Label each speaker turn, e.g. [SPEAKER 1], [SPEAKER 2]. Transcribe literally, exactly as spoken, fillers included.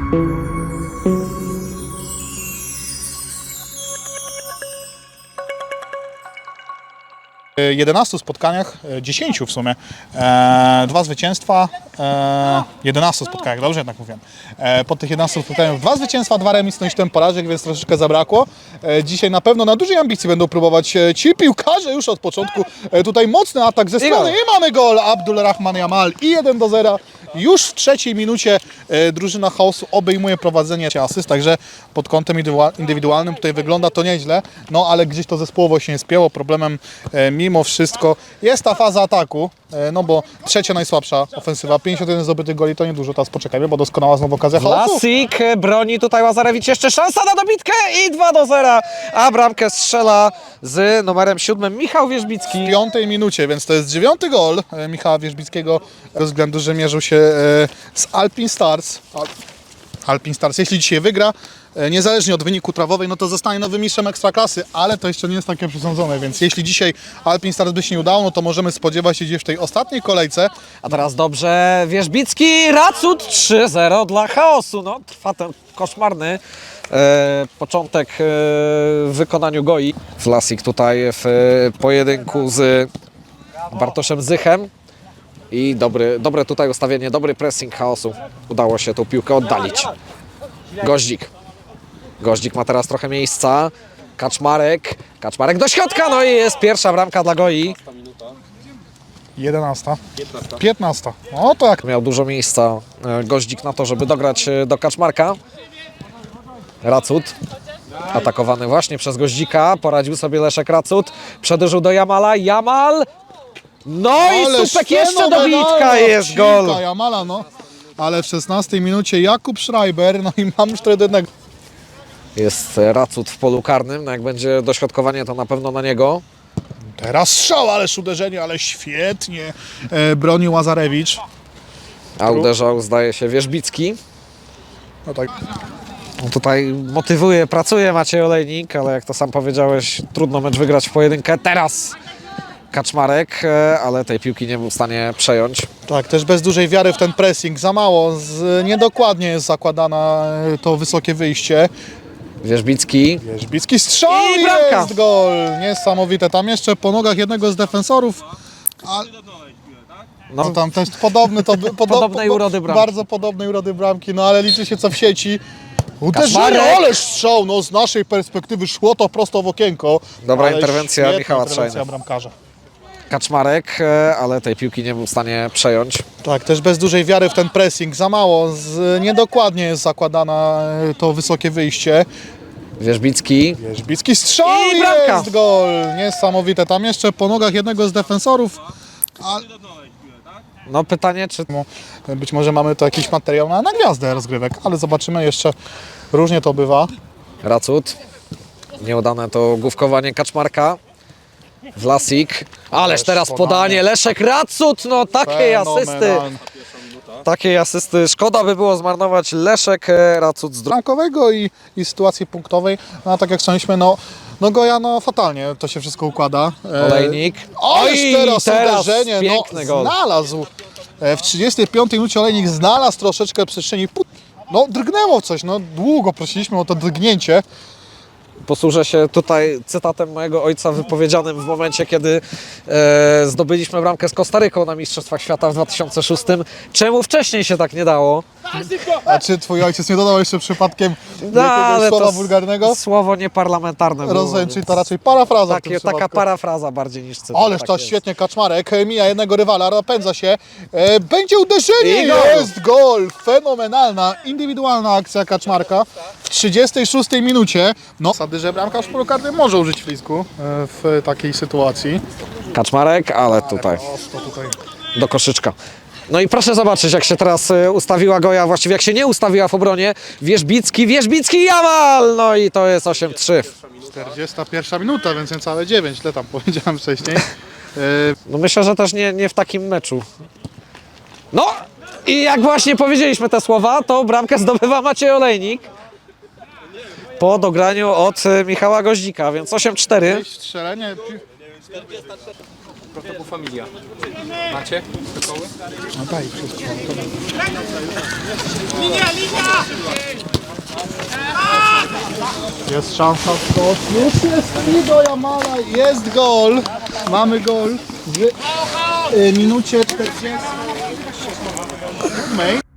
[SPEAKER 1] jedenastu spotkaniach, dziesięciu w sumie, e, dwa zwycięstwa, e, jedenastu spotkaniach, dobrze jednak mówiłem. E, po tych jedenastu spotkaniach dwa zwycięstwa, dwa remis, no i siedem porażek, więc troszeczkę zabrakło. E, dzisiaj na pewno na dużej ambicji będą próbować e, ci piłkarze już od początku. E, tutaj mocny atak ze strony i mamy gol Abdulrahman Jamal i jeden do zera. Już w trzeciej minucie e, drużyna Chaosu obejmuje prowadzenie asyst, także pod kątem indywidualnym tutaj wygląda to nieźle, no ale gdzieś to zespołowo się nie spięło. Problemem e, mimo wszystko jest ta faza ataku, e, no bo trzecia najsłabsza ofensywa, pięćdziesiąt jeden zdobytych goli to niedużo, teraz poczekajmy, bo doskonała znowu okazja Chaosu.
[SPEAKER 2] Lasik broni tutaj Łazarewicz, jeszcze szansa na dobitkę i dwa do zera, a bramkę strzela z numerem siódmym Michał Wierzbicki.
[SPEAKER 1] W piątej minucie, więc to jest dziewiąty gol e, Michała Wierzbickiego, ze względu, że mierzył się e, z Alpin Stars. Al Alpin Stars, jeśli dzisiaj wygra, e, niezależnie od wyniku trawowej, no to zostanie nowym mistrzem Ekstraklasy, ale to jeszcze nie jest takie przesądzone, więc jeśli dzisiaj Alpin Stars by się nie udało, no to możemy spodziewać się gdzieś w tej ostatniej kolejce.
[SPEAKER 2] A teraz dobrze, Wierzbicki, Racut trzy zero dla Chaosu. No, trwa ten koszmarny e, początek e, w wykonaniu Goi. Lasik tutaj w e, pojedynku z Bartoszem Zychem. I dobry, dobre tutaj ustawienie, dobry pressing Chaosu. Udało się tą piłkę oddalić. Goździk. Goździk ma teraz trochę miejsca. Kaczmarek. Kaczmarek do środka, no i jest pierwsza bramka dla Goi.
[SPEAKER 1] jedenasta. piętnasta. No to jak
[SPEAKER 2] Miał dużo miejsca Goździk na to, żeby dograć do Kaczmarka. Racut. Atakowany właśnie przez Goździka. Poradził sobie Leszek Racut. Przedłużył do Jamala. Jamal. No i Supek, jeszcze dobitka, jest gol.
[SPEAKER 1] Jamala, no. Ale w szesnastej minucie Jakub Schreiber, no i mam cztery do jednego.
[SPEAKER 2] Jest Racut w polu karnym. No jak będzie dośrodkowanie, to na pewno na niego.
[SPEAKER 1] Teraz strzał, ależ uderzenie, ale świetnie e, broni Łazarewicz.
[SPEAKER 2] A uderzał, zdaje się, Wierzbicki.
[SPEAKER 1] No tak.
[SPEAKER 2] No tutaj motywuje, pracuje Maciej Olejnik, ale jak to sam powiedziałeś, trudno mecz wygrać w pojedynkę. Teraz Kaczmarek, ale tej piłki nie był w stanie przejąć.
[SPEAKER 1] Tak, też bez dużej wiary w ten pressing, za mało, z, niedokładnie jest zakładana to wysokie wyjście.
[SPEAKER 2] Wierzbicki.
[SPEAKER 1] Wierzbicki strzał
[SPEAKER 2] I
[SPEAKER 1] i
[SPEAKER 2] bramka.
[SPEAKER 1] jest gol, niesamowite, tam jeszcze po nogach jednego z defensorów. A,
[SPEAKER 2] No,
[SPEAKER 1] no tam też podobny, to, podo,
[SPEAKER 2] Podobnej urody bramki.
[SPEAKER 1] Bardzo podobnej urody bramki, no ale liczy się co w sieci. Uderzenie,
[SPEAKER 2] Kaczmarek.
[SPEAKER 1] ależ strzał, no z naszej perspektywy szło to prosto w okienko.
[SPEAKER 2] Dobra
[SPEAKER 1] ale
[SPEAKER 2] interwencja
[SPEAKER 1] świetna
[SPEAKER 2] Michała
[SPEAKER 1] interwencja
[SPEAKER 2] Trzajny.
[SPEAKER 1] bramkarza.
[SPEAKER 2] Kaczmarek, ale tej piłki nie był w stanie przejąć.
[SPEAKER 1] Tak, też bez dużej wiary w ten pressing, za mało, z, niedokładnie jest zakładana to wysokie wyjście.
[SPEAKER 2] Wierzbicki.
[SPEAKER 1] Wierzbicki strzał
[SPEAKER 2] I
[SPEAKER 1] i
[SPEAKER 2] bramka.
[SPEAKER 1] jest gol, niesamowite, tam jeszcze po nogach jednego z defensorów. A,
[SPEAKER 2] No pytanie, czy
[SPEAKER 1] być może mamy tu jakiś materiał na, na gwiazdę rozgrywek, ale zobaczymy jeszcze, różnie to bywa.
[SPEAKER 2] Racut. Nieudane to główkowanie Kaczmarka. Wlasik. Ależ teraz podanie. Leszek Racut. No takiej asysty.
[SPEAKER 1] Fenomenalne.
[SPEAKER 2] Takiej asysty. Szkoda by było zmarnować. Leszek e, Racut z drugiej.
[SPEAKER 1] Bramkowego i, i sytuacji punktowej, no a tak jak wspomnieliśmy, no, no Goja, no fatalnie to się wszystko układa. E,
[SPEAKER 2] Olejnik.
[SPEAKER 1] Oj, teraz,
[SPEAKER 2] teraz
[SPEAKER 1] uderzenie,
[SPEAKER 2] piękny
[SPEAKER 1] no,
[SPEAKER 2] gol.
[SPEAKER 1] znalazł. E, w trzydziestej piątej minucie Olejnik znalazł troszeczkę przestrzeni. Put- No drgnęło coś, no długo prosiliśmy o to drgnięcie.
[SPEAKER 2] Posłużę się tutaj cytatem mojego ojca wypowiedzianym w momencie, kiedy e, zdobyliśmy bramkę z Kostaryką na Mistrzostwach Świata w dwa tysiące szóstym. Czemu wcześniej się tak nie dało?
[SPEAKER 1] A czy twój ojciec nie dodał jeszcze przypadkiem
[SPEAKER 2] No,
[SPEAKER 1] jakiegoś
[SPEAKER 2] ale
[SPEAKER 1] słowa
[SPEAKER 2] to
[SPEAKER 1] wulgarnego?
[SPEAKER 2] słowo nieparlamentarne było.
[SPEAKER 1] Rozumiem, czyli
[SPEAKER 2] więc
[SPEAKER 1] to raczej parafraza w tym
[SPEAKER 2] takie, taka
[SPEAKER 1] przypadku.
[SPEAKER 2] parafraza bardziej niż cytat.
[SPEAKER 1] Ależ
[SPEAKER 2] tak
[SPEAKER 1] to
[SPEAKER 2] jest.
[SPEAKER 1] świetnie Kaczmarek, mija jednego rywala, napędza się, e, będzie uderzenie,
[SPEAKER 2] I gol.
[SPEAKER 1] jest gol, fenomenalna, indywidualna akcja Kaczmarka w trzydziestej szóstej minucie. No, zasady, że bramkarz w polu karnym może użyć flisku e, w takiej sytuacji.
[SPEAKER 2] Kaczmarek, ale tutaj
[SPEAKER 1] To tutaj.
[SPEAKER 2] do koszyczka. No i proszę zobaczyć, jak się teraz e, ustawiła Goja, właściwie jak się nie ustawiła w obronie. Wierzbicki, Wierzbicki, Jamal! No i to jest osiem trzy.
[SPEAKER 1] czterdziesta pierwsza minuta, więc niecałe dziewięć, ile tam powiedziałem wcześniej. E,
[SPEAKER 2] No myślę, że też nie, nie w takim meczu. No i jak właśnie powiedzieliśmy te słowa, to bramkę zdobywa Maciej Olejnik po dograniu od e, Michała Goździka, więc osiem cztery.
[SPEAKER 1] strzelenie.
[SPEAKER 3] To był Familia. Macie? Koły?
[SPEAKER 1] No daj wszystko. Jest szansa skok. Już jest i do Jamala. Jest gol. Mamy gol w y, minucie czterdziestej.